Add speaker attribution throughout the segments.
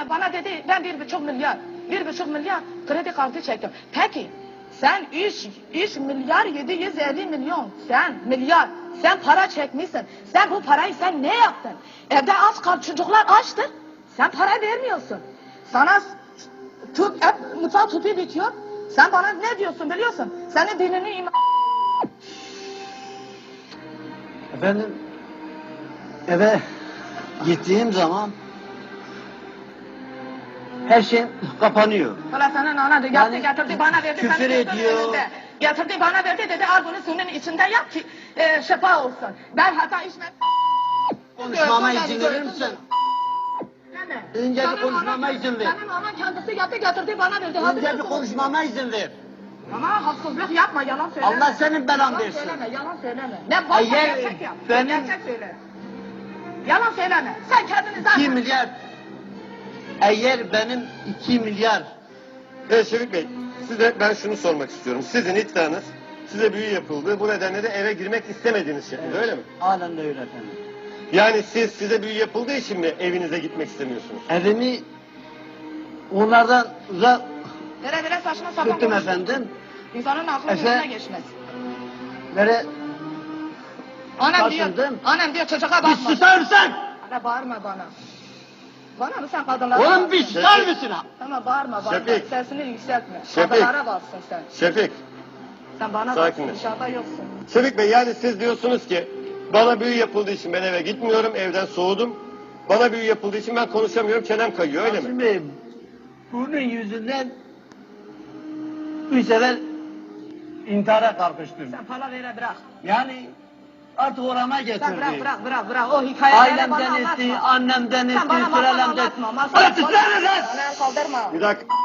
Speaker 1: bana dedi ben 1,5 milyar kredi kartı çektim. Peki sen 3 milyar 750 milyon sen para çekmişsin. Sen bu parayı sen ne yaptın? Evde aç kal, çocuklar açtır. Sen para vermiyorsun. Sana mutfak tüpü bitiyor. Sen bana ne diyorsun biliyorsun? Senin dinini
Speaker 2: Efendim eve gittiğim zaman her şey kapanıyor.
Speaker 1: Valla senin ana da yaptı,
Speaker 2: Yani
Speaker 1: getirdi bana verdi.
Speaker 2: küfür
Speaker 1: senin gözünün
Speaker 2: ediyor.
Speaker 1: önünde. Getirdi bana verdi dedi al bunu suyun içinde yap ki şifa olsun. Ben hata içmem.
Speaker 2: Konuşmama izin verir misin?
Speaker 1: Deme.
Speaker 2: Önce bir
Speaker 1: Senin
Speaker 2: konuşmama
Speaker 1: anan-
Speaker 2: izin ver.
Speaker 1: Senin anan kendisi yaptı getirdi bana verdi.
Speaker 2: Önce bir
Speaker 1: Hatırlıyorsun.
Speaker 2: konuşmama izin ver.
Speaker 1: Ama haksızlık yapma, yalan söyleme.
Speaker 2: Allah senin belan
Speaker 1: Yalan
Speaker 2: versin.
Speaker 1: söyleme, yalan söyleme. Ne varsa
Speaker 2: Eğer
Speaker 1: gerçek yap.
Speaker 2: benim-
Speaker 1: Gerçek söyle. Yalan söyleme. Sen kendini zaten...
Speaker 2: 2 milyar. Eğer benim 2 milyar.
Speaker 3: Evet Şefik Bey, size ben şunu sormak istiyorum. Sizin iddianız size büyü yapıldı. Bu nedenle de eve girmek istemediğiniz şekilde öyle mi?
Speaker 2: Halen de öyle efendim.
Speaker 3: Yani size büyü yapıldığı için mi evinize gitmek istemiyorsunuz?
Speaker 2: Evimi onlardan uzak
Speaker 1: Vere saçma sapan
Speaker 2: tuttum
Speaker 1: konuşma.
Speaker 2: efendim.
Speaker 1: İnsanın aklı
Speaker 2: Efe-
Speaker 1: yüzüne geçmez.
Speaker 2: Böyle
Speaker 1: Annem diyor çocuğa
Speaker 2: bir
Speaker 1: bakma.
Speaker 2: susar mısın?
Speaker 1: Ana bağırma bana. Bana mı sen kadınlara
Speaker 2: Oğlum bir
Speaker 1: baksın?
Speaker 2: susar mısın?
Speaker 1: Tamam bağırma.
Speaker 3: Şefik.
Speaker 1: Sesini yükseltme.
Speaker 3: Şefik.
Speaker 1: Kadınlara baksın sen.
Speaker 3: Şefik,
Speaker 1: Sen bana
Speaker 3: Sakin
Speaker 1: baksın.
Speaker 3: ol.
Speaker 1: Dışarıda yoksun.
Speaker 3: Şefik Bey yani siz diyorsunuz ki bana büyü yapıldığı için ben eve gitmiyorum, evden soğudum. Bana büyü yapıldığı için ben konuşamıyorum, çenem kayıyor öyle mi?
Speaker 2: Şimdi bunun yüzünden 3 sefer intihara kalkıştım.
Speaker 1: Sen para vere bırak.
Speaker 2: Yani artık orama
Speaker 1: Sen
Speaker 2: getirdi.
Speaker 1: bırak. O hikayeleri bana
Speaker 2: Ailemden
Speaker 1: anlatma.
Speaker 2: etti, annemden etti,
Speaker 1: Sen bana masal
Speaker 2: sürelemden
Speaker 1: anlatma.
Speaker 2: etti.
Speaker 1: Masal
Speaker 2: Hadi susar mısın?
Speaker 1: Bana el kaldırma.
Speaker 3: Bir dakika.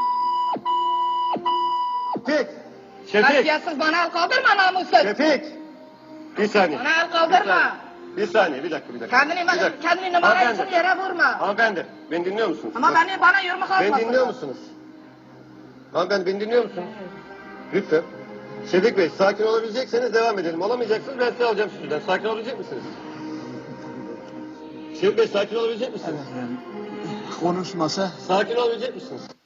Speaker 3: Şefik, Şefik,
Speaker 1: Kasiyetsiz bana el kaldırma namussuz.
Speaker 3: Şefik. Bir saniye.
Speaker 1: Bana el kaldırma.
Speaker 3: Bir saniye, bir dakika.
Speaker 1: Kendini numara için
Speaker 3: Hanımefendi.
Speaker 1: yere vurma.
Speaker 3: Hanımefendi, beni dinliyor musunuz?
Speaker 1: Ama bana yumruk atmasın.
Speaker 3: Beni dinliyor musunuz? Hanımefendi beni dinliyor musunuz? Lütfen. Şefik Bey sakin olabilecekseniz devam edelim. Olamayacaksınız ben size alacağım stüdyodan. Sakin olabilecek misiniz? Şefik Bey sakin olabilecek misiniz?
Speaker 2: Konuşmasa
Speaker 3: Sakin olabilecek misiniz?